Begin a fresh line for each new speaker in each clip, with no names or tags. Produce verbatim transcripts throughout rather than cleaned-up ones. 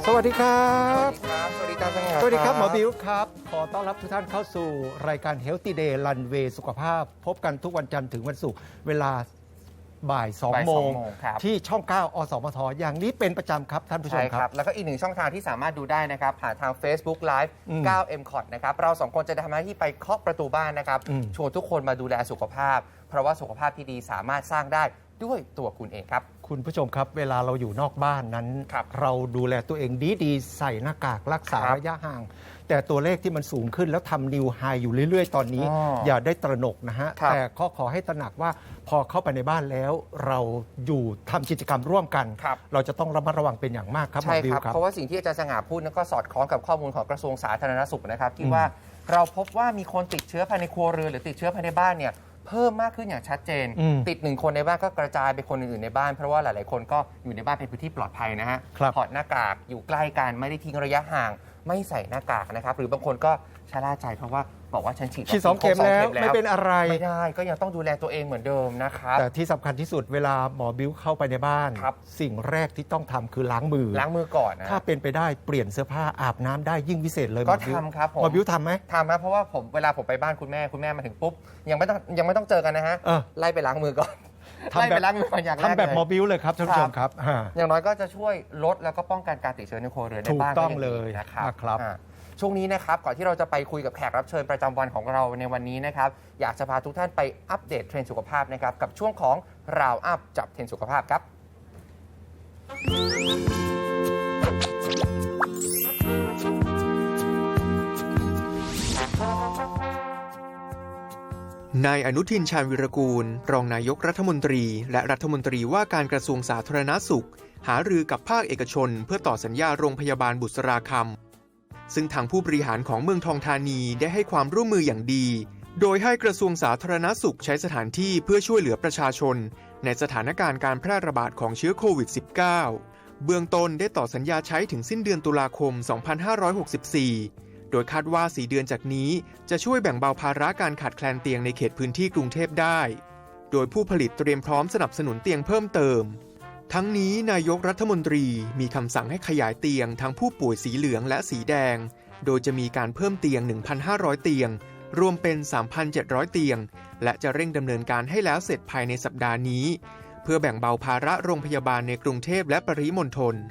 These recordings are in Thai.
สวัสดีครับ
สวัสดีครับ สวัสดีครับ
สวัสดีครับหมอบิวครับขอต้อนรับทุกท่านเข้าสู่รายการ Healthy Day Runway สุขภาพพบกันทุกวันจันทร์ถึงวันศุกร์เวลาบ่ายสองโมงที่ช่องเก้าอสมทอย่างนี้เป็นประจำครับท่านผู้ชมครับ
แล้วก็อีกหนึ่งช่องทางที่สามารถดูได้นะครับผ่านทาง Facebook Live เก้า เอ็ม คอท นะครับเราสองคนจะทำหน้าที่ไปเคาะประตูบ้านนะครับชวนทุกคนมาดูแลสุขภาพเพราะว่าสุขภาพที่ดีสามารถสร้างได้ด้วยตัวคุณเองครับ
คุณผู้ชมครับเวลาเราอยู่นอกบ้านนั้นรเราดูแลตัวเองดีๆใส่หน้ากากรักษาระยะห่างแต่ตัวเลขที่มันสูงขึ้นแล้วทำนิวไฮอยู่เรื่อยๆตอนนี้ อ, อย่าได้ตระหนกนะฮะแต่ข้อขอให้ตระหนักว่าพอเข้าไปในบ้านแล้วเราอยู่ทำกิจกรรมร่วมกันรเราจะต้องระมัดระวังเป็นอย่างมากครับ
ใช่ครับเพราะว่าสิ่งที่อาจารย์สง่าพูดนั้นก็สอดคล้องกับข้อมูลของกระทรวงสาธารณสุขนะครับที่ว่าเราพบว่ามีคนติดเชื้อภายในครัวเรือนหรือติดเชื้อภายในบ้านเนี่ยเพิ่มมากขึ้นอย่างชัดเจนติดหนึ่งคนในบ้านก็กระจายไปคนอื่นๆในบ้านเพราะว่าหลายๆคนก็อยู่ในบ้านเป็นพื้นที่ปลอดภัยนะฮะถอดหน้ากากอยู่ใกล้กันไม่ได้ทิ้งระยะห่างไม่ใส่หน้ากากนะครับหรือบางคนก็ชะล่าใจเพราะว่าบอกว่าฉันฉีด
ฉีดสองเข็มแล้วไม่เป็นอะไร
ไม่ได้ก็ยังต้องดูแลตัวเองเหมือนเดิมนะครับ
แต่ที่สำคัญที่สุดเวลาหมอบิ้วเข้าไปในบ้านสิ่งแรกที่ต้องทำคือล้างมือ
ล้างมือก่อนนะ
ถ้าเป็นไปได้เปลี่ยนเสื้อผ้าอาบน้ำได้ยิ่งพิเศษเลย
ก็ทำครับ
หมอบิ้วทำไหม
ทำครับเพราะว่าผมเวลาผมไปบ้านคุณแม่คุณแม่มาถึงปุ๊บยังไม่ต้องยังไม่ต้องเจอกันนะฮะไล่ไปล้างมือก่อน
ทำแบบล้างมืออย่างแรกทำแบบหมอบิ้วเลยครับท่านผู้ชมครับ
อย่างน้อยก็จะช่วยลดแล้วก็ป้องกันการติดเชื้อในครัวเรือนในบ้าน
ถูกต้องเลย
นะครับช่วงนี้นะครับก่อนที่เราจะไปคุยกับแขกรับเชิญประจำวันของเราในวันนี้นะครับอยากจะพาทุกท่านไปอัปเดตเทรนด์สุขภาพนะครับกับช่วงของราวอัพจับเทรนด์สุขภาพครับ
นายอนุทินชาญวิรากูลรองนายกรัฐมนตรีและรัฐมนตรีว่าการกระทรวงสาธารณสุขหารือกับภาคเอกชนเพื่อต่อสัญญาโรงพยาบาลบุษราคำซึ่งทางผู้บริหารของเมืองทองธานีได้ให้ความร่วมมืออย่างดีโดยให้กระทรวงสาธารณสุขใช้สถานที่เพื่อช่วยเหลือประชาชนในสถานการณ์การแพร่ระบาดของเชื้อโควิด สิบเก้า เบื้องต้นได้ต่อสัญญาใช้ถึงสิ้นเดือนตุลาคม สองพันห้าร้อยหกสิบสี่ โดยคาดว่าสี่เดือนจากนี้จะช่วยแบ่งเบาภาระการขาดแคลนเตียงในเขตพื้นที่กรุงเทพได้โดยผู้ผลิตเตรียมพร้อมสนับสนุนเตียงเพิ่มเติมทั้งนี้นายกรัฐมนตรีมีคำสั่งให้ขยายเตียงทั้งผู้ป่วยสีเหลืองและสีแดงโดยจะมีการเพิ่มเตียง หนึ่งพันห้าร้อย เตียงรวมเป็น สามพันเจ็ดร้อย เตียงและจะเร่งดำเนินการให้แล้วเสร็จภายในสัปดาห์นี้เพื่อแบ่งเบาภาระโรงพยาบาลในกรุงเทพและปริมณฑล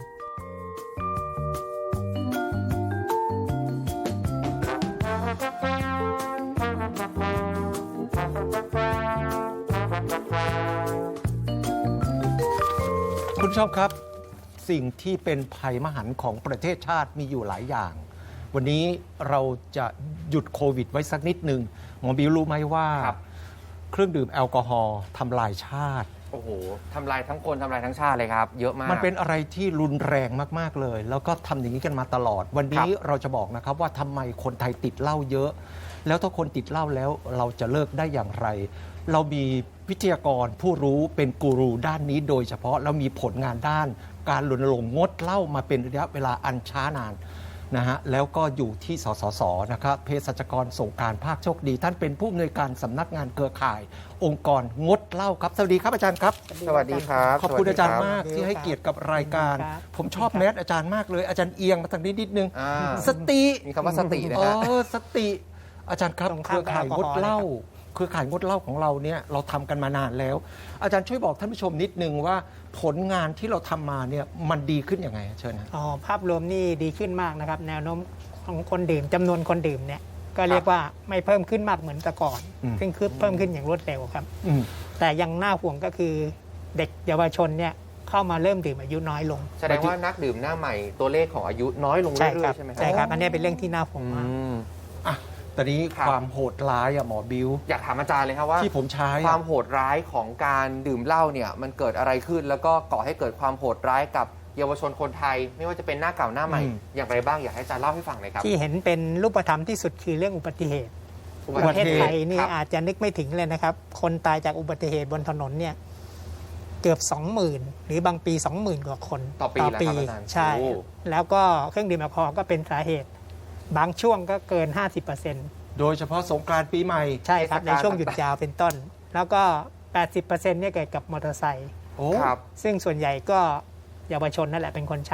คุณผู้ชมครับสิ่งที่เป็นภัยมหันต์ของประเทศชาติมีอยู่หลายอย่างวันนี้เราจะหยุดโควิดไว้สักนิดหนึ่งหมอบิวรู้ไหมว่าเครื่องดื่มแอลกอฮอล์ทำลายชาติ
โอ้โหทำลายทั้งคนทำลายทั้งชาติเลยครับเยอะมาก
มันเป็นอะไรที่รุนแรงมากๆเลยแล้วก็ทำอย่างนี้กันมาตลอดวันนี้เราจะบอกนะครับว่าทำไมคนไทยติดเหล้าเยอะแล้วถ้าคนติดเหล้าแล้วเราจะเลิกได้อย่างไรเรามีวิทยากรผู้รู้เป็นกูรูด้านนี้โดยเฉพาะแล้วมีผลงานด้านการรณรงค์งดเหล้ามาเป็นระยะเวลาอันช้านานนะฮะแล้วก็อยู่ที่สสสนะครับเภสัชกรสงกรานต์ภาคโชคดีท่านเป็นผู้อำนวยการสำนักงานเครือข่ายองค์กรงดเหล้าครับสวัสดีครับอาจารย์ครับ
สวัสดีครับ
ขอบคุณอาจารย์มากที่ให้เกียรติกับรายการผมชอบแมสอาจารย์มากเลยอาจารย์เอียงมาทางนี้นิดนึงสติ
มีคำว่าสตินะฮะ
เออสติอาจารย์ครับเครือข่ายงดเหล้าเครือข่ายงดเหล้าของเราเนี่ยเราทำกันมานานแล้วอาจารย์ช่วยบอกท่านผู้ชมนิดนึงว่าผลงานที่เราทำมาเนี่ยมันดีขึ้นยังไงเชิญนะ
อ๋อภาพรวมนี่ดีขึ้นมากนะครับแนวโน้มของคนดื่มจำนวนคนดื่มเนี่ยก็เรียกว่าไม่เพิ่มขึ้นมากเหมือนแต่ก่อนซึ่งคือเพิ่มขึ้นอย่างรวดเร็วครับแต่ยังน่าห่วงก็คือเด็กเยาวชนเนี่ยเข้ามาเริ่มดื่มอายุน้อยลง
แสดงว่านักดื่มหน้าใหม่ตัวเลขของอายุน้อยลงเรื่อยๆใช่ไหมครับ
ใช่ครับอันนี้เป็นเรื่องที่น่าห่วงมาก
ตอนนี้ความโหดร้ายอะหมอบิว
อยากถามอาจารย์เลยครับว่า
ที่ผมใช้
ความโหดร้ายของการดื่มเหล้าเนี่ยมันเกิดอะไรขึ้นแล้วก็ก่อให้เกิดความโหดร้ายกับเยาวชนคนไทยไม่ว่าจะเป็นหน้าเก่าหน้าใหม่อย่างไรบ้างอยากให้อาจารย์เล่าให้ฟังหน่อยครับ
ที่เห็นเป็นรูปธรรมที่สุดคือเรื่องอุบัติเหตุประเทศไทยนี่อาจจะนึกไม่ถึงเลยนะครับคนตายจากอุบัติเหตุบนถนนเนี่ยเกือบ สองหมื่น หรือบางปี สองหมื่น กว่าคน
ต่อปีต่อปี
ใช่แล้วก็เครื่องดื่มแอลกอฮอล์ก็เป็นสาเหตุบางช่วงก็เกิน ห้าสิบเปอร์เซ็นต์
โดยเฉพาะสงกรานต์ปีใหม่
ใช่ครับในช่วงหยุดยาวเป็นต้นแล้วก็ แปดสิบเปอร์เซ็นต์ เนี่ยเกิดกับมอเตอร์ไซค์ซึ่งส่วนใหญ่ก็เยาวชนนั่นแหละเป็นคนใช้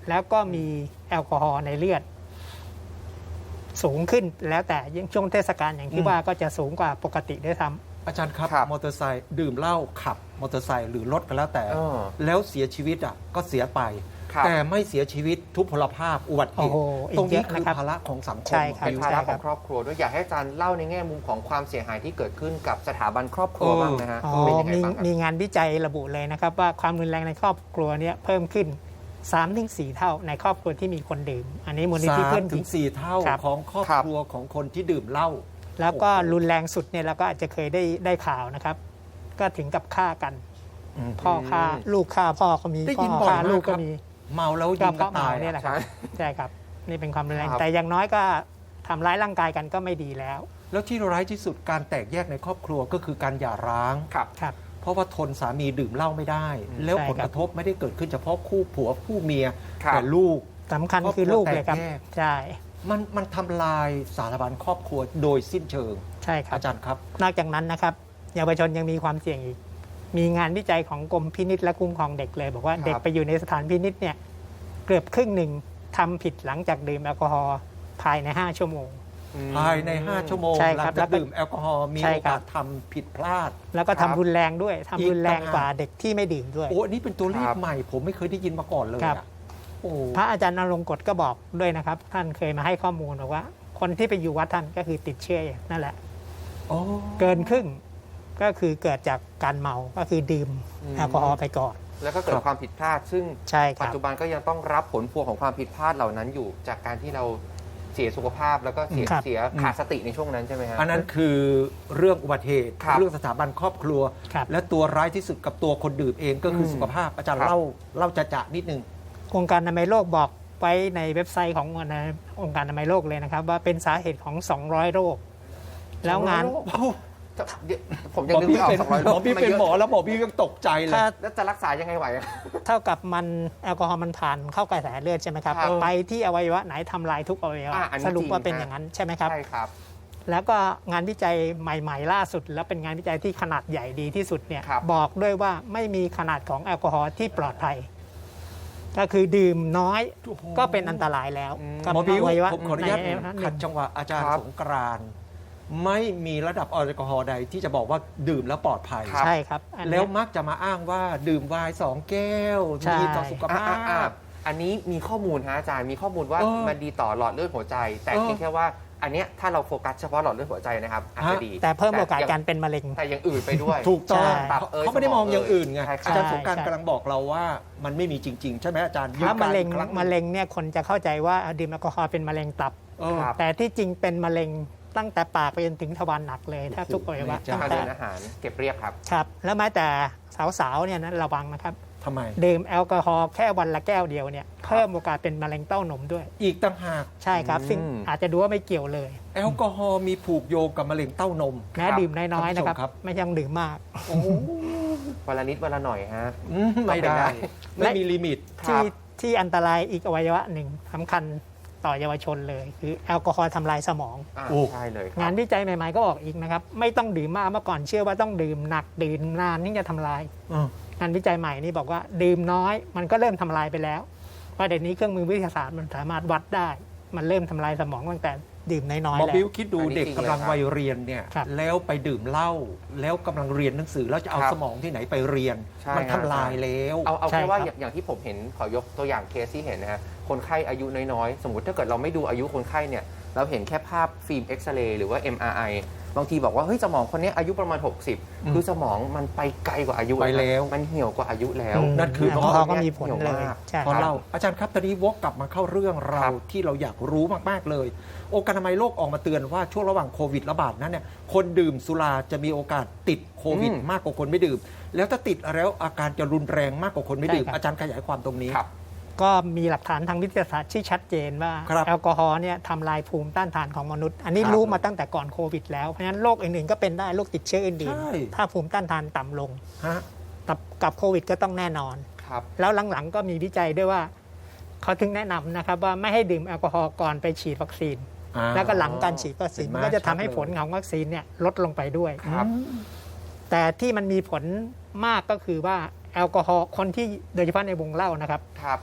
แล้วก็มีแอลกอฮอล์ในเลือดสูงขึ้นแล้วแต่ยิ่งช่วงเทศกาลอย่างที่ว่าก็จะสูงกว่าปกติด้วยซ้ำ
อาจารย์ครับ
ครับ
มอเตอร์ไซค์ดื่มเหล้าขับมอเตอร์ไซค์หรือรถก็แล้วแต่
เออ
แล้วเสียชีวิตอ่ะก็เสียไป
ครับ
แต่ไม่เสียชีวิตทุพพลภาพอุบัติเห
โอ้
ตุ
โหอีก
ตรงนี้
เยอะ
คือ
นะครับ
ภาระของสังค
ใช่
ม
ครับ
เป็นภาระของครอบครัวด้วยอยากให้อาจารย์เล่าในแง่มุมของความเสียหายที่เกิดขึ้นกับสถาบันครอบครัวบ้างนะฮะ
อ๋อ
เป็นยังไง
มี
บ้างครับ
มีงานวิจัยระบุเลยนะครับว่าความรุนแรงในครอบครัวเนี่ยเพิ่มขึ้น สามถึงสี่ เท่าในครอบครัวที่มีคนดื่ม อันนี้มูลนิธิ
สา
เพื่อ
ม
น
ถึงสี่เท่า
ครับ
ของครอบ
ครับ
ครัวของคนที่ดื่มเหล้า
แล้วก็รุนแรงสุดเนี่ยเราก็อาจจะเคยได้ได้ข่าวนะครับ ก็ถึงกับฆ่ากัน
อืม
พ่อฆ่าลูกฆ่าพ่อก็มี
ได้
พ่
ยิน
อ
บ่อย
ฆ่าม
าก
ลูก
ครั
ก็
บ
มี
เมาแล้ว
ก็
ยิง
เพ
กัน
ราะเมา
ตาย
เนี่ยแหละครับ
ใช่
ใช่ครับนี่เป็นความรุนแรง
ครับ
แต่อย่างน้อยก็ทำร้ายร่างกายกันก็ไม่ดีแล้ว
แล้วที่ร้ายที่สุดการแตกแยกในครอบครัวก็คือการหย่าร้าง
ครับ
ครับ
เพราะว่าทนสามีดื่มเหล้าไม่ได้
อืม
แล้ว
ใช่
ผล
ครั
ก
บ
ระทบไม่ได้เกิดขึ้นเฉพาะคู่ผัวคู่เมีย
ครับ
แต่ลูก
สำคัญ
ครอบครัว
คือลูกเลยครับ
แตกแยก
ใช่
มันมันทำลายสารบัญครอบครัวโดยสิ้นเชิง
ใช่ครับ
อาจารย์ครับ
นอกจากนั้นนะครับเยาวชนยังมีความเสี่ยงอีก มีงานวิจัยของกรมพินิจและคุ้มครองเด็กเลย บอกว่า
ครับ
เด็กไปอยู่ในสถานพินิจเนี่ยเกือบครึ่งหนึ่งทำผิดหลังจากดื่มแอลกอฮอล์ภายใน ห้า ชั่วโมง
ภายใน ห้า ชั่วโมง
ใช่
หลั
ครับ
ง
แล้
จาก
วก็
ดื่มแอลกอฮอล์มี
ใช่
โอ
ครั
กา
บ
สทำผิดพลาด
แล้วก็
ครั
ทำ
บ
รุนแรงด้วยทำ
อีก
รุนแรง
ต่างหาก
กว่าเด็กที่ไม่ดื่มด้วย
โอ้อันนี้เป็นตัวเลข
ครับ
ใหม่ ผมไม่เคยได้ยินมาก่อนเลย
ครับ
อะโอ้
พระอาจารย์นรงค์กฎก็บอกด้วยนะครับ ท่านเคยมาให้ข้อมูลบอกว่า คนที่ไปอยู่วัดท่านก็คือติดเชื้อนั่นแหละ
โอ้
เกินครึ่งก็คือเกิดจากการเมาก็คือดื่ม
อืม
แอลกอฮอล์ไปก่อน
แล้วก็เกิดความผิดพลาด ซึ่ง
ใช่ค
ปัจ
รับ
จุบันก็ยังต้องรับผลพวงของความผิดพลาดเหล่านั้นอยู่ จากการที่เราเสียสุขภาพแล้วก็เสีย
ครับ
เสียขาดสติในช่วงนั้นใช่ไหมฮะ
อันนั้นคือเรื่องอุบัติเหตุ
ครับ
เรื่องสถาบันครอบครัว
ครับ
และตัวร้ายที่สุดกับตัวคนดื่มเองก็คืออ
ม
สุขภาพอาจารย์
ครับ
เล่าเล่าจะจะนิดนึง
องค์การอนามัยโลกบอกไว้ในเว็บไซต์ขององค์การอนามัยโลกเลยนะครับ ว่าเป็นสาเหตุของ สองร้อย โรค แล้วงาน
เดี๋ยวผม
ห
ยัง
มอ
นึก
พี่
ไม่ออก
เป็น
สองร้อย
ห
โร
ม
ค
อพี่เป็นหมอแล้วหมอพี่ก็ตกใจเลย
ถ้า
แล้วจะรักษายังไงไหวอะ
เท่ากับมันแอลกอฮอล์มันผ่านเข้ากระแสเลือดใช่ไหมครับ
ครับ
ไปที่อวัยวะไหนทำลายทุกอวัยวะ
อ่ะอันนี้
สรุปว่า
จริง
เป็น
ฮะ
อย่างนั้นใช่ไหมครับ
ใช่ครับ
แล้วก็งานวิจัยใหม่ๆ ล่าสุด แล้วเป็นงานวิจัยที่ขนาดใหญ่ดีที่สุดเนี่ย
ครับ
บอกด้วยว่าไม่มีขนาดของแอลกอฮอล์ที่ปลอดภัย ก็คือดื่มน้อย
โอ้โห
ก็เป็นอันตรายแล้ว
อืม
กับ
หมอบิว
อวัยวะ
ผมขออนุญาต
ในอวัยวะห
ขั
นึ่
ด
ง
จังหวะอาจารย์
ครับ
สงกรานต์ไม่มีระดับแอลกอฮอล์ใดที่จะบอกว่าดื่มแล้วปลอดภัย
ครับ
ใช่ครับอัน
แล้ว
เนี้ย
มักจะมาอ้างว่าดื่มไวน์สองแก้ว
ใช่
ดีต่อสุข
อ่ะ
ภา
อ่ะอ่ะ
พ
อันนี้มีข้อมูลฮะอาจารย์มีข้อมูลว่า
เออ
มันดีต่อหลอดเลือดหัวใจ แต่
เออ
เพียงแค่ว่าอันเนี้ยถ้าเราโฟกัสเฉพาะหลอดเลือดหัวใจนะครับอาจจะ
ฮะ
ดี
แต่เพิ่มโอกาส
ย่ง
การเป็นมะเร็ง
แต่อย่างอื่นไปด้วย
ถูกต้อง
ใช่
ตับเอย
เขาไม่ได้มองอย่างอื่นไง
ใช่ครับ
อาจารย์สงกราร
ใช่
กำลังบอกเราว่ามันไม่มีจริง ๆ ใช่ไหมอาจารย์
ถ้ามะเร็ง
ยืนยันอีกครั้งหนึ่ง
มะเร็งเนี่ยคนจะเข้าใจว่าดื่มแอลกอฮอล์เป็นมะเร็งตับ
เออ
ครับ
แต่ที่จริงเป็นมะเร็งตั้งแต่ปากไปจนถึงทวารหนักเลยแทบทุกอวัยวะ
โอ้โห
ตั้ง
ทาง
แต่
เดินอาหารเก็บเรียบครับ
ครับแล้วแม้แต่สาวๆเนี่ยนะระวังนะครับ
ทำไม
ดื่มแอลกอฮอล์แค่วันละแก้วเดียวเนี่ยเพิ่มโอกาสเป็นมะเร็งเต้านมด้วย
อีกต่างหาก
ใช่ครับ
อืม
ซึ่งอาจจะดูว่าไม่เกี่ยวเลย
แอลกอฮอล์มีผูกโยงกับมะเร็งเต้านม
แม้
ครับ
ดื่มน้อยๆนะครับ
ท่านผู้ชมครับ
ไม่ต้องดื่มมาก
โอ้โห
วันละนิดวันละหน่อยฮะ
อืมไม่ได้ ไม่มีลิมิต
ครั
ที่
บ
ที่อันตรายอีกอวัยวะหนึ่งสำคัญต่อเยาวชนเลย คือแอลกอฮอล์ทำลายสมอง
อ่า
โอ้
ใช่เลยค
งา
รั
น
บ
วิจัยใหม่ๆก็บอกอีกนะครับ ไม่ต้องดื่มมากเมื่อก่อนเชื่อว่าต้องดื่มหนักดื่มนานนี่จะทำลาย
อืม
งานวิจัยใหม่นี่บอกว่าดื่มน้อยมันก็เริ่มทำลายไปแล้วเพราะเดี๋ยวนี้เครื่องมือวิทยาศาสตร์มันสามารถวัดได้ มันเริ่มทำลายสมองตั้งแต่ดื่มน้อย
หม
ๆ
อ
แล้ว
บิวคิดดู
อันนี้
เด็ก
จริง
กำลัง
เลยครับ
วัยเรียนเนี่ย
ครับ
แล้วไปดื่มเหล้าแล้วกำลังเรียนหนังสือแล้วจะเอา
ครับ
สมองที่ไหนไปเรียน
ใช่
มัน
ครับ
ทำลายแล้ว
เอาเอา
ใช่
แค่ว่า
ครับ
อย่างอย่างที่ผมเห็นขอยกตัวอย่างเคสที่เห็นนะฮะคนไข้อายุน้อยๆ สมมติถ้าเกิดเราไม่ดูอายุคนไข้เนี่ยเราเห็นแค่ภาพฟิล์มเอ็กซเรย์หรือว่า เอ็ม อาร์ ไอ บางทีบอกว่าเฮ้ยสมองคนนี้อายุประมาณ หกสิบ
อืม
คือสมองมันไปไกลกว่าอายุ
ไปแล้ว
มันเหี่ยวกว่าอายุแล้ว
อืม
นั่นคือ
แอลกอฮอล์ก็มีผล
เหี่ยว
เลย
มาก
ใช่
พอ
ครับ
เราอาจารย์ครับตอนนี้วกกลับมาเข้าเรื่องเรา
ครับ
ที่เราอยากรู้มากๆเลย องค์การอนามัยโลกออกมาเตือนว่าช่วงระหว่างโควิดระบาดนั้นเนี่ยคนดื่มสุราจะมีโอกาสติดโควิด
อืม
มากกว่าคนไม่ดื่ม แล้วถ้าติดแล้วอาการจะรุนแรงมากกว่าคนไม่ดื่ม
ใช่ครับ
อาจารย์ขยายความตรงนี้
ครับ
ก็มีหลักฐานทางวิทยาศาสตร์ที่ชัดเจนว่า
ครับ
แอลกอฮอล์เนี่ยทำลายภูมิต้านทานของมนุษย์ อันนี้
ครับ
รู้มาตั้งแต่ก่อนโควิดแล้ว เพราะฉะนั้นโรคอื่นๆก็เป็นได้โรคติดเชื้ออื่น
ใช่
ๆถ้าภูมิต้านทานต่ำลง
ฮะ
กับกับโควิดก็ต้องแน่นอน
ครับ
แล้วหลังๆก็มีวิจัยด้วยว่า เขาถึงแนะนำนะครับว่าไม่ให้ดื่มแอลกอฮอล์ก่อนไปฉีดวัคซีน
อ่า
แล้วก็หลังการฉีดวัคซีน
เห็นไหม
มันก็จะทำให้
ชัดเลย
ผลของวัคซีนเนี่ยลดลงไปด้วย
ครับ
แต่ที่มันมีผลมากก็คือว่าแอลกอฮอล์คนที่โดยเฉพาะในวงเล่านะครับ
ครับ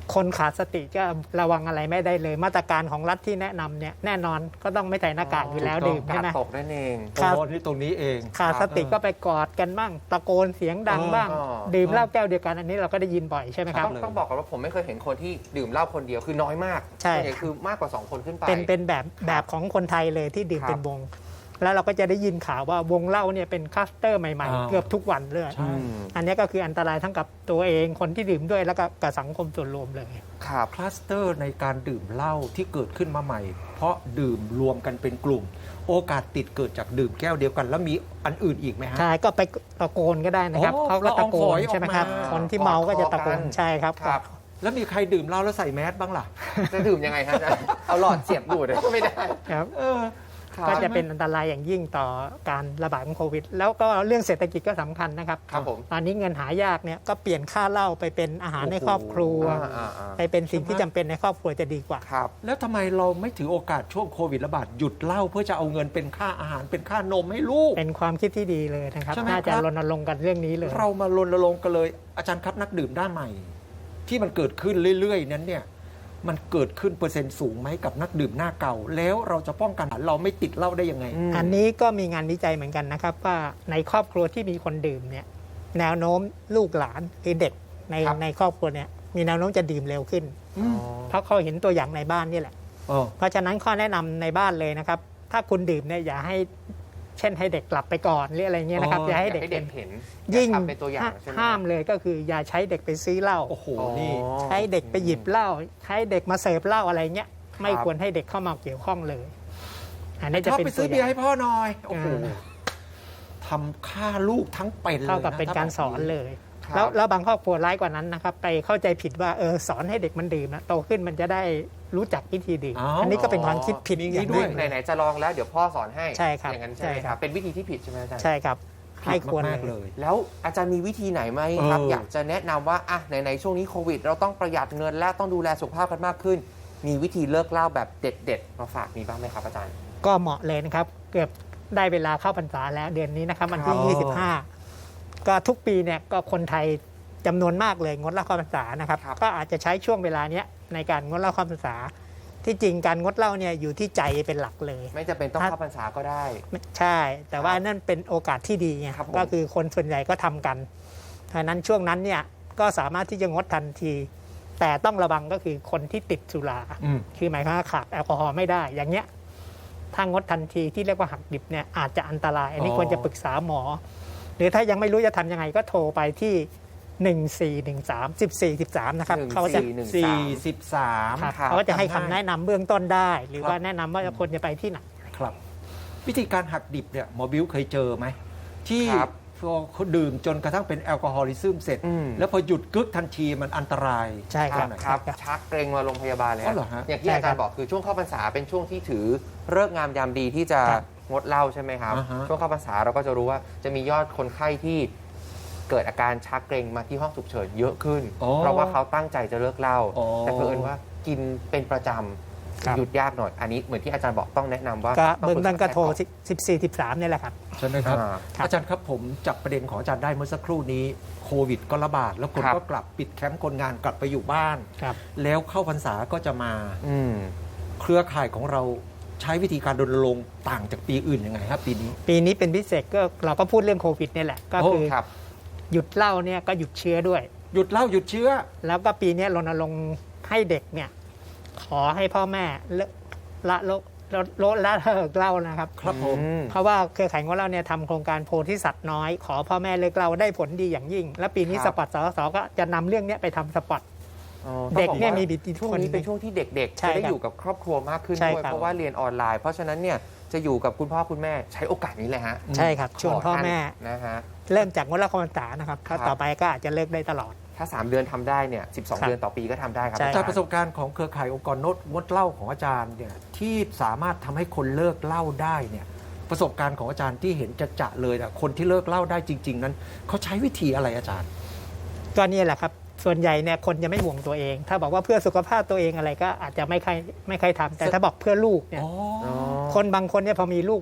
คนขาดสติก็ระวังอะไรไม่ได้เลย มาตรการของรัฐที่แนะนำเนี่ยแน่นอนก็ต้องไม่ใส่หน้ากากอยู่แล้วดื่ม
กา
ใช่
ด
ไหม
ตกนั่นเอง
โอ้นี่ตรงนี้เอง
ขาดสติก็ไปกอดกันบ้างตะโกนเสียงดังบ้าง
อ๋อ
ดื่มเหล้าแก้วเดียวกันอันนี้เราก็ได้ยินบ่อยใช่ไหมครับ
ต้องต้องบอกก่อนว่าผมไม่เคยเห็นคนที่ดื่มเหล้าคนเดียวคือน้อยมาก
ใช่
ส่วนใหญ่คือมากกว่าสองคนขึ้นไป
เป็นเป็นแบบแบบของคนไทยเลยที่ดื่ม
ครับ
เป็นวง แล้วเราก็จะได้ยินข่าวว่าวงเหล้าเนี่ยเป็นคลัสเตอร์ใหม่
อ่า
ๆ เกือบทุกวันเลย
ใช่
อืม
อันนี้ก็คืออันตรายทั้งกับตัวเองคนที่ดื่มด้วยแล้วก็กับสังคมส่วนรวมเลย
ครับ
คลัสเตอร์ในการดื่มเหล้าที่เกิดขึ้นมาใหม่ เพราะดื่มรวมกันเป็นกลุ่ม โอกาสติดเกิดจากดื่มแก้วเดียวกัน แล้วมีอันอื่นอีกไหมฮะ
ใช่ก็ไปตะโกนก็ได้นะครับ
โอ้
เขาก็ตะโก
ละอองฝ
น
อยออก
ใช่ไหมครับ
มา
คนที่เมาก็จะตะโกน
กอดคอกัน
ใช่ครับ
ครับ
แล้วมีใครดื่มเหล้าแล้วใส่แมสบ้างล่ะ
จะดื่มยังไงครับอาจารย์เอาหลอดเสียบดูดก็ไม่ได้
ครับ
เออ
ครับ
ก็จะเป็นอันตรายอย่างยิ่งต่อการระบาดของโควิด แล้วก็เรื่องเศรษฐกิจก็สำคัญนะครับ
ครับผม
ตอนนี้เงินหายากเนี่ยก็เปลี่ยนค่าเหล้าไปเป็นอาหารในครอบครัว
อ่าอ่าอ่า
ไปเป็นสิ่งที่จำเป็นในครอบครัวจะดีกว่า
ครับ
แล้วทำไมเราไม่ถือโอกาสช่วงโควิดระบาดหยุดเหล้าเพื่อจะเอาเงินเป็นค่าอาหารเป็นค่านมให้ลูก
เป็นความคิดที่ดีเลยนะครับ
ใช่ไหม
น่าจะ
ครับ
รณรงค์กันเรื่องนี้เลย
เรามารณรงค์กันเลยอาจารย์ครับนักดื่มด้านใหม่ ที่มันเกิดขึ้นเรื่อยๆนั้นเนี่ยมันเกิดขึ้นเปอร์เซ็นต์สูงไหมกับนักดื่มหน้าเก่า แล้วเราจะป้องกันเราไม่ติดเหล้าได้ยังไง
อืม
อันนี้ก็มีงานวิจัยเหมือนกันนะครับ ว่าในครอบครัวที่มีคนดื่มเนี่ยแนวโน้มลูกหลานคือเด็กใน
ครับ
ในครอบครัวเนี่ยมีแนวโน้มจะดื่มเร็วขึ้น
อืม
เพราะเขาเห็นตัวอย่างในบ้านนี่แหละ
เออ
เพราะฉะนั้นข้อแนะนำในบ้านเลยนะครับ ถ้าคุณดื่มเนี่ยอย่าให้เช่นให้เด็กกลับไปก่อนหรืออะไรเงี้ยนะครับ
อ๋อ
อ
อยา
ย่าให้
ก
เด็ก
ให้เด็กเห็น
ยิ่ง
อากทำเป็นตัวอย่างใช่ไหม
ห้ามเลยก็คืออย่าใช้เด็กไปซื้อเหล้า
โอ้โห
อ๋อ
นี่
ใช้เด็กไปหยิบเหล้าใช้เด็กมาเสิร์ฟเหล้าอะไรเงี้ยไม่
ครับ
ควรให้เด็กเข้ามาเกี่ยวข้องเลย อันนี้
ช
จะ
อบ
เป็น
ไป
ตั
ซื้
ว
อ
อ
เบียร์
ย่าง
ให้พ่อหน่อยโอ้โห
อ่า
ทำฆ่าลูกทั้งเป็นเลย
เท่ากับ
ะ
เป็นการ
ถ้แบบ
สอนเลย
ครับ
แล้วแล้วบางครอบครัวร้ายกว่านั้นนะครับ ไปเข้าใจผิดว่าเออสอนให้เด็กมันดื่มนะโตขึ้นมันจะได้รู้จักวิธีดื่ม
อ้าว
อันนี้ก็เป็นความคิดผิด
มี
อย่าง
ด้
ด้
ว
วย ย
ไหนๆจะลองแล้วเดี๋ยวพ่อสอนให้
ใช่ครับ
อย่างนั้นใช่ไหม
ใช่
ค
ครั
รับ
บ
เป็นวิธีที่ผิดใช่ไหมอาจารย์
ใช่ครับ
ผิ
ไม่
ด
ควร
มากๆ
เล
เลย ย
แล้วอาจารย์มีวิธีไหนไหมครับ
เออ
อ
อ
ยากจะแนะนำว่าอ่ะไหนๆช่วงนี้โควิด เราต้องประหยัดเงินและต้องดูแลสุขภาพกันมากขึ้น มีวิธีเลิกเหล้าแบบเด็ดๆมาฝากมีบ้างไหมครับอาจารย์
ก็เหมาะเลยนะครับ เกือบได้เวลาเข้าพรรษาแล้วเดือนนี้นะครับวันที่
ครับ
ยี่สิบห้าก็ทุกปีเนี่ยก็คนไทยจำนวนมากเลยงดเหล้าเข้าพรรษานะครับ
ครับ
ก็อาจจะใช้ช่วงเวลาเนี้ยในการงดเหล้าเข้าพรรษา ที่จริงการงดเหล้าเนี่ยอยู่ที่ใจเป็นหลักเลย
ไม่จำเป็นต้อง
ครับ
เข้าพรรษาก็ได้
ใช่ แต่ว่านั่นเป็นโอกาสที่ดีไง
ครับผม
ก็คือคนส่วนใหญ่ก็ทำกันเพราะฉะนั้นช่วงนั้นเนี่ยก็สามารถที่จะงดทันที แต่ต้องระวังก็คือคนที่ติดสุรา
อืม
คือหมายความว่าขาดแอลกอฮอล์ไม่ได้ อย่างเงี้ยถ้างดทันทีที่เรียกว่าหักดิบเนี่ยอาจจะอันตราย อันนี้
อ๋อ
ควรจะปรึกษาหมอ หรือถ้ายังไม่รู้จะทำยังไงก็โทรไปที่ หนึ่งสี่หนึ่งสาม สิบสี่สิบสาม นะครับ
หนึ่ง
เขาจะ
สี่หนึ่ง
สี่สิบสาม
ครับ
ครับ
เขาก็จะให้คำแนะนำเบื้องต้นได้ หรือ
ครับ
ว่าแนะนำว่าควรจะไปที่ไหน
ครับ วิธีการหักดิบเนี่ยหมอบิวเคยเจอไหม ที่
ครับ
พอเขาดื่มจนกระทั่งเป็นแอลกอฮอลิซึมเสร็จ
อืม
แล้วพอหยุดกึกทันทีมันอันตราย
ใช่ครับ
ครับ
ครับ
ชักเกรงมาโรงพยาบาลเลย
อ๋อเหรอฮะ
อย่างที่
ใช่
อา
ครั
จาร
บ
ย์บอกคือช่วงเข้าพรรษาเป็นช่วงที่ถือเลิกษ์งามยามดีที่จะ
ครับ
งดเหล้าใช่ไหมครับ
อ่าฮะ
ช่วงเข้าพรรษาเราก็จะรู้ว่าจะมียอดคนไข้ที่เกิดอาการชักเกรงมาที่ห้องฉุกเฉินเยอะขึ้น
อ๋อ
เพราะว่าเขาตั้งใจจะเลิกเหล้า
อ๋อ
แต่เผอิญว่ากินเป็นประจ
ครับ
ำหยุดยากหน่อย อันนี้เหมือนที่อาจารย์บอกต้องแนะนำว่า
ก็
ต้
เบื้องต้นก็โทร
ปษาแพทย์
สิบสี่ สิบสามเนี่ยแหละครับ
ใช่ไหมครับ
อ่า
ครับ
อาจารย์ครับผมจับประเด็นของอาจารย์ได้เมื่อสักครู่นี้โควิดก็ระบาด แล้วคน
ครับ
ก็กลับปิดแคมป์คนงานกลับไปอยู่บ้าน
ครับ
แล้วเข้าพรรษาก็จะมา
อืม
เครือข่ายของเราใช้วิธีการรณรงค์ต่างจากปีอื่นยังไงครับปีนี้
ปีนี้เป็นพิเศษก็เราก็พูดเรื่องโควิดเนี่ยแหละ ก็
โอ้
คือ
ครับ
หยุดเหล้าเนี่ยก็หยุดเชื้อด้วย
หยุดเหล้าหยุดเชื้อ
แล้วก็ปีนี้รณรงค์ให้เด็กเนี่ยขอให้พ่อแม่เลิกละโลลดลดละเลิกเหล้านะครับ
ครับผม
อืม
เพราะว่าเครือข่ายของเราเนี่ยทำโครงการโพธิสัตว์น้อย ขอพ่อแม่เลิกเหล้าได้ผลดีอย่างยิ่ง และปีนี้
ครับ
สปอตสสก็จะนำเรื่องเนี้ยไปทำสปอต
อ๋อ
เด็ก
ต้องบอ
เนี่ย
ว่า
มีบิดที่
ช่วง
คน
นี้เป็นช่วงที่เด็กๆ
ใช่
จะได้
ครับ
อยู่กับครอบครัวมากขึ้น
ใช่
ด้วย
ครับ
เพราะว่าเรียนออนไลน์ เพราะฉะนั้นเนี่ยจะอยู่กับคุณพ่อคุณแม่ใช้โอกาสนี้เลยฮะ
ใช่ครับชวนพ่อแม่
นะฮะ
เริ่มจากงดเหล้าเข้าพรรษานะครับ
ครั
ถ้า
บ
ต่อไปก็อาจจะเลิกได้ตลอด
ถ้า สาม เดือนทำได้เนี่ยสิบสอง
ครับ
เดือนต่อปีก็ทำได้ครับ
ใช่
อา
จาก
จารย์
ประสบการณ์ของเครือข่ายองค์กรงดงดเหล้าของอาจารย์เนี่ยที่สามารถทำให้คนเลิกเหล้าได้เนี่ยประสบการณ์ของอาจารย์ที่เห็นจะจะๆเลยนะคนที่เลิกเหล้าได้จริง ๆ นั้นเขาใช้วิธีอะไรอาจารย์
ก็นี่แหละครับส่วนใหญ่เนี่ยคนจะไม่ห่วงตัวเอง ถ้าบอกว่าเพื่อสุขภาพตัวเองอะไรก็อาจจะไม่ค่อยไม่ค่อยทำแต่ถ้าบอกเพื่อลูกเนี่ย
อ๋อ
อ๋อ
คนบางคนเนี่ยพอมีลูกแล้ว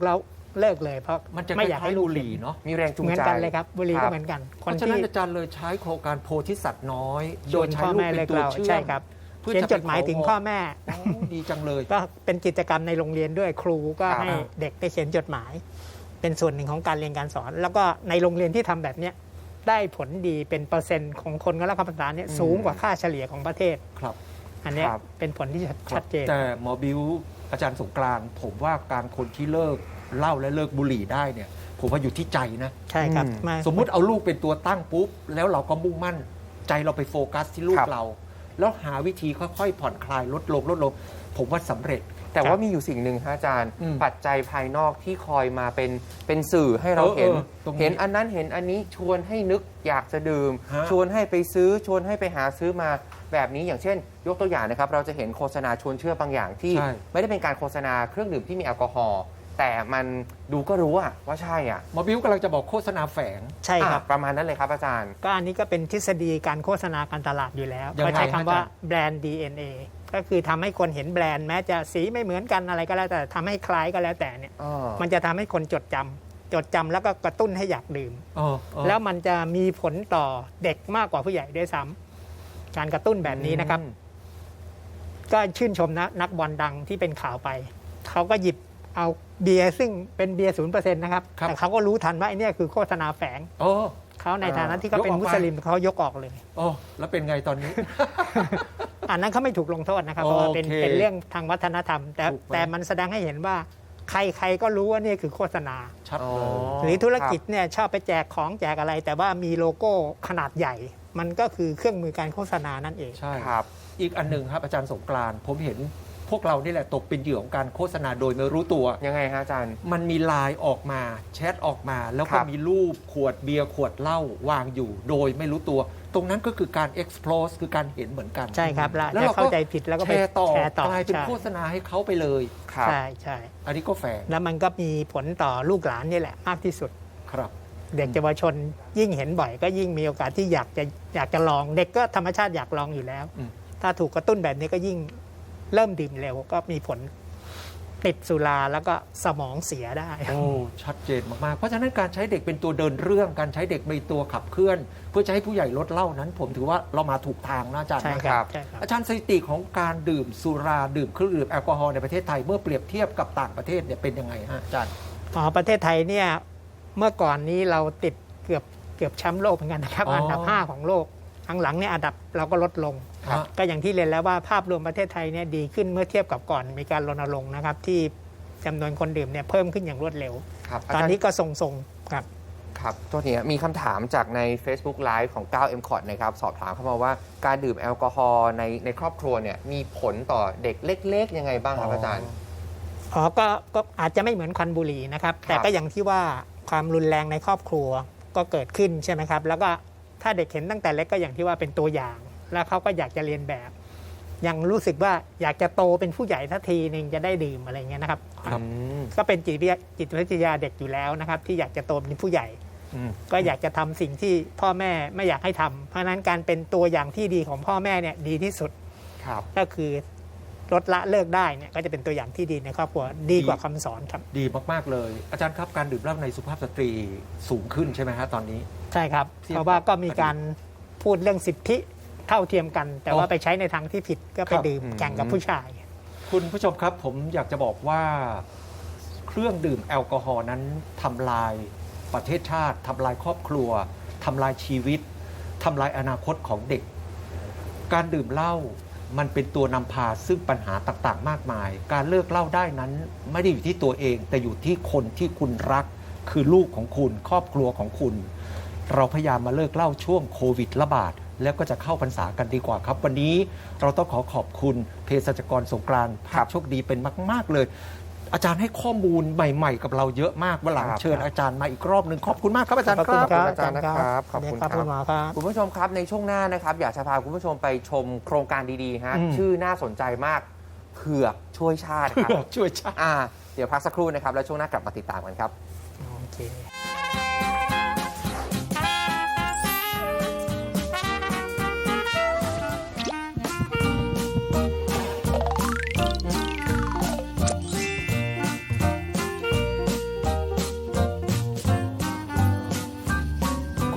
เลิกเลยเพราะ
มันจะ
ไม่อยากให้ลูก
บุหรี่เนาะ
มีแรงจูง
เหมือน
ใจ
กันเลยครับบุหรี่
ครั
ก็
บ
เหมือนกัน
เพ
คน
ราะฉะ
ที่
นั้นอาจารย์เลยใช้โครงการโพธิสัตว์น้อย
ช
โด
วย น
ใช้
พ่อ
ลูก
แม่
เป็
เลิ
น
ก
ตัว
เรา
เชื่อม
ใช่ครับ
เพื่อ
เขียน
จะ
จ
ไป
ดหมายถึง
ข
พ่อแม่
โอ้ดีจังเลย
ก็เป็นกิจกรรมในโรงเรียนด้วยครูก็
ครับ
ให้เด็กได้เขียนจดหมาย เป็นส่วนหนึ่งของการเรียนการสอน แล้วก็ในโรงเรียนที่ทำแบบเนี้ยได้ผลดีเป็นเปอร์เซ็นต์ของคนก็รับคำภาษาเนี่ย
อืม
สูงกว่าค่าเฉลี่ยของประเทศ
ครับ
อันเนี้ย
ครับ
เป็นผลที่ชัดเจน
แต่หมอบิวอาจารย์สงกรานต์ผมว่าการคนที่เลิกเหล้าและเลิกบุหรี่ได้เนี่ย ผมว่าอยู่ที่ใจนะ
ใช่ครับ
อืม
มา
สมมุติเอาลูกเป็นตัวตั้งปุ๊บ แล้วเราก็มุ่งมั่นใจเราไปโฟกัสที่ลูก
ครับ
เรา แล้วหาวิธีค่อยๆผ่อนคลายลดลงลดลง ผมว่าสำเร็จ
แต่ว่ามีอยู่สิ่งหนึ่งฮะอาจารย์
อืม
ปัจจัยภายนอกที่คอยมาเป็นเป็นสื่อให้เรา
เออ
เห็น
เออตรงนี้
เห็นอันนั้นเห็นอันนี้ชวนให้นึกอยากจะดื่ม
ฮะ
ชวนให้ไปซื้อชวนให้ไปหาซื้อมาแบบนี้อย่างเช่น ยกตัวอย่างนะครับ เราจะเห็นโฆษณาชวนเชื่อบางอย่างที่
ใช่
ไม่ได้เป็นการโฆษณาเครื่องดื่มที่มีแอลกอฮอล์แต่มันดูก็รู้อะว่าใช่อะ
หมอบิวกำลังจะบอกโฆษณาแฝง
ใช่ครับ
อ่ะประมาณนั้นเลยครับอาจารย์
ก็อันนี้ก็เป็นทฤษฎีการโฆษณาการตลาดอยู่แล้ว
ยังไง
เขาใช้คำว่า
อาจารย์
แบรนด์ ดี เอ็น เอ ก็คือทำให้คนเห็นแบรนด์แม้จะสีไม่เหมือนกันอะไรก็แล้วแต่ทำให้คล้ายก็แล้วแต่เนี่ย
อ๋อ
มันจะทำให้คนจดจำจดจำแล้วก็กระตุ้นให้อยากดื่ม
เออเออ
แล้วมันจะมีผลต่อเด็กมากกว่าผู้ใหญ่ด้วยซ้ำการกระตุ้นแบบนี้นะครับ ก็ชื่นชมนะนักบอลดังที่เป็นข่าวไป เขาก็หยิบเอาเบียร์ซึ่งเป็นเบียร์ศูนย์เปอร์เซ็นต์นะครับ
ครับ
แต่เขาก็รู้ทันว่าไอ้เนี่ยคือโฆษณาแฝง
โอ้
เขาในฐานะที่เขาเป็น
ยกออกไป
มุสลิมเขายกออกเลย
โอ้แล้วเป็นไงตอนนี้
อันนั้นเขาไม่ถูกลงโทษนะครับเพราะว่าเป็น
โอเค
เป็นเรื่องทางวัฒนธรรม แต่
ถูกไหม
แต่มันแสดงให้เห็นว่า ใครๆก็รู้ว่านี่คือโฆษณา
ชัด
อ๋อ
เลย
หรือธุรกิจเนี่ยชอบไปแจกของแจกอะไร แต่ว่ามีโลโก้ขนาดใหญ่ มันก็คือเครื่องมือการโฆษณานั่นเอง
ใช่
ครับ
อีกอันหนึ่งครับอาจารย์สงกรานต์ผมเห็นพวกเรานี่แหละตกเป็นเหยื่อของการโฆษณาโดยไม่รู้ตัว
ยังไงฮะอาจารย์
มันมีไลน์ออกมาแชทออกมา แล้ว
ค
ก็
รับ
มีรูปขวดเบียร์ขวดเหล้าวางอยู่ โดยไม่รู้ตัว ตรงนั้นก็คือการ expose คือการเห็นเหมือนกัน
ใช่ครับแล้ว
แล้ว
จะ
เราก็
เข้าใจผิดแล้วก็
แช
ไป
ร์ต่อ
แชร์ต่อก
ลายเป็น
ใช่
โฆษณาให้เขาไปเลย
ครับ
ใช่ใช่
อันนี้ก็แฝง
แล้วมันก็มีผลต่อลูกหลานนี่แหละมากที่สุด
ครับ
เด็กเยาวชนยิ่งเห็นบ่อยก็ยิ่งมีโอกาสที่อยากจะอยากจะลอง เด็กก็ธรรมชาติอยากลองอยู่แล้ว
อืม
ถ้าถูกกระตุ้นแบบนี้ก็ยิ่งเริ่มดื่มเร็วก็มีผลติดสุราแล้วก็สมองเสียได้
โอ้ชัดเจนมากๆ เพราะฉะนั้นการใช้เด็กเป็นตัวเดินเรื่องการใช้เด็กเป็นตัวขับเคลื่อน เพื่อจะให้ผู้ใหญ่ลดเหล้านั้น ผมถือว่าเรามาถูกทางนะอาจารย์
ใช่
นะ
ครับใช่ครับ
อาจารย์สถิติของการดื่มสุราดื่มเครื่องดื่มแอลกอฮอล์ในประเทศไทยเมื่อเปรียบเทียบกับต่างประเทศเนี่ยเป็นยังไงฮะอาจารย์
อ๋อประเทศไทยเนี่ยเมื่อก่อนนี้เราติดเกือบเกือบแชมป์โลกเหมือนกันนะครับ
อ๋ออั
อันดับห้าของโลกครั้งหลังเนี่ยอันดับเราก็ลดลง
ครับ
ก็อย่างที่เรียนแล้วว่าภาพรวมประเทศไทยเนี่ยดีขึ้นเมื่อเทียบกับก่อนมีการรณรงค์นะครับที่จำนวนคนดื่มเนี่ยเพิ่มขึ้นอย่างรวดเร็ว
ครับ
ตอนนี้
าจารย์
ก็ทรงๆครับ
ครับตัวนี้มีคำถามจากใน Facebook Live ของ 9 เอ็ม คอร์ด นะครับ สอบถามเข้ามาว่าการดื่มแอลกอฮอล์ในในครอบครัวเนี่ยมีผลต่อเด็กเล็ก ๆ ยังไงบ้างครับอาจารย์
อ๋อก็ก็อาจจะไม่เหมือนควันบุหรี่นะครับ
ครับ
แต่ก็อย่างที่ว่าความรุนแรงในครอบครัวก็เกิดขึ้นใช่ไหมครับ แล้วก็ถ้าเด็กเห็นตั้งแต่เล็กก็อย่างที่ว่าเป็นตัวอย่าง แล้วเขาก็อยากจะเรียนแบบ ยังรู้สึกว่าอยากจะโตเป็นผู้ใหญ่ทันทีหนึ่งจะได้ดื่มอะไรเงี้ยนะครับ
ครับ
อืม
ก็เป็นจิตวิทยาจิตวิทยาเด็กอยู่แล้วนะครับ ที่อยากจะโตเป็นผู้ใหญ่
อืม
ก็อยากจะทำสิ่งที่พ่อแม่ไม่อยากให้ทำเพราะฉะนั้นการเป็นตัวอย่างที่ดีของพ่อแม่เนี่ยดีที่สุด
ครับ
ก็คือลดละเลิกได้เนี่ยก็จะเป็นตัวอย่างที่ดีในครอบครัวดีกว่าคำสอนครับ
ดีมากๆเลย อาจารย์ครับการดื่มเหล้าในสุภาพสตรีสูงขึ้นใช่ไหมฮะตอนนี้
ใช่ครับ
เทียบ
เพราะว่าก็มีการพูดเรื่องสิทธิเท่าเทียมกัน แต่ว่า
อ๋อ
ไปใช้ในทางที่ผิดก็ไป
ครับ
ดื่ม
อืม
แข่งกับผู้ชาย
คุณผู้ชมครับผมอยากจะบอกว่าเครื่องดื่มแอลกอฮอล์นั้นทำลายประเทศชาติทำลายครอบครัวทำลายชีวิตทำลายอนาคตของเด็ก การดื่มเหล้ามันเป็นตัวนำพาซึ่งปัญหาต่างๆ มากมาย การเลิกเหล้าได้นั้นไม่ได้อยู่ที่ตัวเอง แต่อยู่ที่คนที่คุณรัก คือลูกของคุณ ครอบครัวของคุณ เราพยายามมาเลิกเหล้าช่วงโควิดระบาด แล้วก็จะเข้าพรรษากันดีกว่าครับ วันนี้เราต้องขอขอบคุณเภสัชกรสงกรานต์ภาพโชคดีเป็นมาก ๆ เลย อาจารย์ให้ข้อมูลใหม่ ๆ กับเราเยอะมากวันหลัง
ครับ
เชิญอาจารย์มาอีกรอบหนึ่งขอบคุณมากครับอาจารย์
ขอบ
ค
คุณ
รับ
ครับ
อาจารย์นะครับขอบคุณ
ครับ
ครับ
คุณหมอครับ
คุณผู้ชมครับในช่วงหน้านะครับอยากจะพาคุณผู้ชมไปชมโครงการดีๆฮะ
อืม
ชื่อน่าสนใจมากเผือกช่วยชาติครับ
เพื่อช่วยชาติ
อ่าเดี๋ยวพักสักครู่นะครับแล้วช่วงหน้ากลับมาติดตามกันครับ
โอเค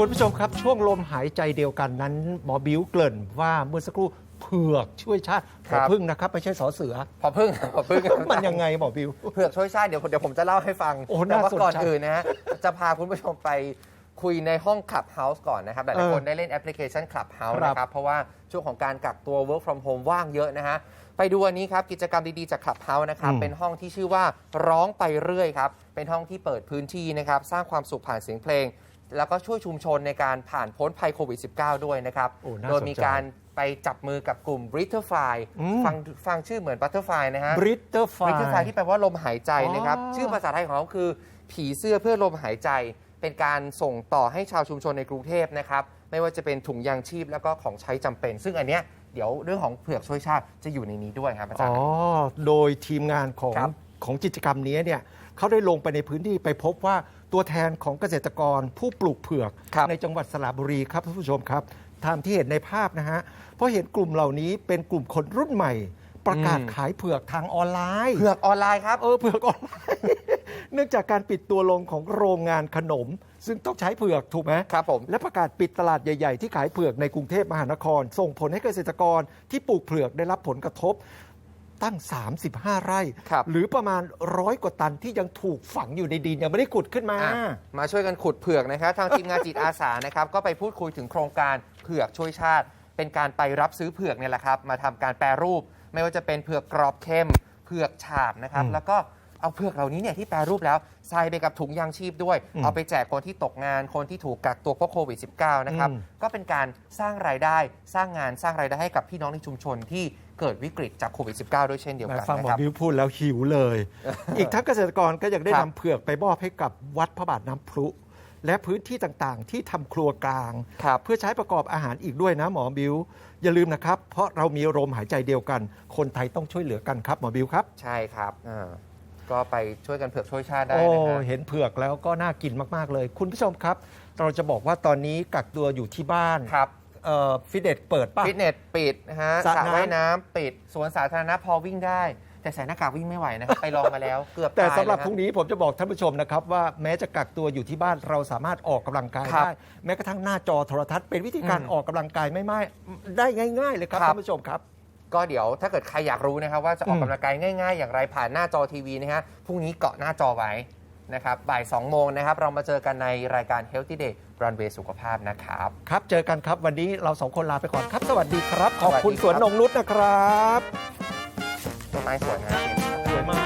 คุณผู้ชมครับช่วงลมหายใจเดียวกันนั้นหมอบิ้วเกริ่นว่าเมื่อสักครู่เผือกช่วยชาติผอพึ่งนะครับไม่ใช่สอเสือ
พอพึ่งพอพึ่ง
มันยังไงหมอบิ้ว
เผือกช่วยชาติเดี๋ยวเดี๋ยวผมจะเล่าให้ฟัง
โอ้
แต่
น่า
ว่า
สนใจ
ก่อนอื่นนะฮะจะพาคุณผู้ชมไปคุยในห้อง Clubhouse ก่อนนะครับหลายๆคนได้เล่นแอปพลิเคชัน Clubhouse
ครับ
นะครับเพราะว่าช่วงของการกักตัว work from home ว่างเยอะนะฮะไปดูอันนี้ครับกิจกรรมดีๆจาก Clubhouse นะครับ
อืม
เป็นห้องที่ชื่อว่าร้องไปเรื่อยครับเป็นห้องที่เปิดพื้นที่นะครับสร้างความสุขผ่านเสียงเพลง แล้วก็ช่วยชุมชนในการผ่านพ้นภัยโควิด สิบเก้า ด้วยนะครับ
โอ้น่า
โดย
สนใจ
มีการไปจับมือกับกลุ่ม Britterfly
อืม
ฟังฟังชื่อเหมือน Butterfly นะฮะ
บริตเตอร์ไฟ
Britterfly ที่แปลว่าลมหายใจนะครับ
อ๋อ
ชื่อภาษาไทยของเขาคือผีเสื้อเพื่อลมหายใจ เป็นการส่งต่อให้ชาวชุมชนในกรุงเทพนะครับไม่ว่าจะเป็นถุงยางชีพแล้วก็ของใช้จำเป็น ซึ่งอันเนี้ยเดี๋ยวเรื่องของเผือกช่วยชาติจะอยู่ในนี้ด้วยครับอาจาร
อ๋อ
ย์
โดยทีมงานของ
ครับ
ของกิจกรรมนี้เนี่ยเขาได้ลงไปในพื้นที่ไปพบว่าตัวแทนของเกษตรกรผู้ปลูกเผือก
ครับ
ในจังหวัดสระบุรีครับท่านผู้ชมครับตามที่เห็นในภาพนะฮะเพราะเห็นกลุ่มเหล่านี้เป็นกลุ่มคนรุ่นใหม่ ประกาศ
อืม
ขายเผือกทางออนไลน์
เผือกออนไลน์ครับ
เออเผือกออนไลน์ เนื่องจากการปิดตัวลงของโรงงานขนม ซึ่งต้องใช้เผือกถูกไหม
ครับผม
และประกาศปิดตลาดใหญ่ ๆ ที่ขายเผือกในกรุงเทพมหานคร ส่งผลให้เกษตรกรที่ปลูกเผือกได้รับผลกระทบตั้ง สามสิบห้า ไร่
ครับ
หรือประมาณร้อยกว่าตันที่ยังถูกฝังอยู่ในดินยังไม่ได้ขุดขึ้นมา
อ่ะมาช่วยกันขุดเผือกนะครับทางทีมงานจิตอาสานะครับก็ไปพูดคุยถึงโครงการเผือกช่วยชาติ เป็นการไปรับซื้อเผือกเนี่ยแหละครับมาทำการแปรรูป ไม่ว่าจะเป็นเผือกกรอบเค็มเผือกฉาบนะครับ
อืม
แล้วก็เอาเผือกเหล่านี้เนี่ยที่แปรรูปแล้วใส่ไปกับถุงยางชีพด้วย
อืม
เอาไปแจกคนที่ตกงานคนที่ถูกกักตัวเพราะโควิด สิบเก้า นะครับ
อืม
ก็เป็นการสร้างรายได้สร้างงานสร้างรายได้ให้กับพี่น้องในชุมชนที่เกิดวิกฤตจากโควิด สิบเก้า ด้วยเช่นเดียวกัน
ฟังหม
นะ
อ
ครับ
บิวพูดแล้วหิวเลย อีกทั้งเกษตรกรก็ยังได้
ครั
นำ
บ
เผือกไปมอบให้กับวัดพระบาทน้ำพุและพื้นที่ต่างๆ ที่ทำครัวกลาง
ครับ
เพื่อใช้ประกอบอาหารอีกด้วยนะหมอบิวอย่าลืมนะครับ เพราะเรามีลมหายใจเดียวกัน คนไทยต้องช่วยเหลือกันครับหมอบิวครับ
ใช่ครับอ่าก็ไปช่วยกันเผือกช่วยชาติได้
โอ้
นะฮะ
เห็นเผือกแล้วก็น่ากินมาก ๆ เลย คุณผู้ชมครับ เราจะบอกว่าตอนนี้กักตัวอยู่ที่บ้าน
ครับ
เอ่อฟิตเนสเปิดป่ะ
ฟิตเนสปิดนะฮะ
สระ
สระ
น้ำ
ว่ายน้ำปิดสวนสาธารณะพอวิ่งได้ แต่ใส่หน้ากากวิ่งไม่ไหวนะครับ ไปลองมาแล้วเกือบ
แต่
ตาย
สำหรับ
เลย
พรุ่งนี้ผมจะบอกท่านผู้ชมนะครับว่าแม้จะกักตัวอยู่ที่บ้านเราสามารถออกกำลังกาย
ครับ
ได้ แม้กระทั่งหน้าจอโทรทัศน์เป็นวิธีการ
อืม
ออกกำลังกายไม่ไม่ได้ง่าย ๆ เลยครับ
ครับ
ท่านผู้ชมครับ
ก็เดี๋ยวถ้าเกิดใครอยากรู้นะครับว่าจะออก
อืม
กำลังกายง่ายๆ อย่างไรผ่านหน้าจอทีวีนะฮะพรุ่งนี้เกาะหน้าจอไว้นะครับบ่ายสองโมงนะครับเรามาเจอกันในรายการ Healthy Day Runway สุขภาพนะครับ
ครับ เจอกันครับวันนี้เราสองคนลาไปก่อนครับ สวัสดีครับ ขอบคุณ
ส
ส
วั
วน
สดีครับ
นงนุชนะครับ
ต้นไม้สวยงาม
สวยมาก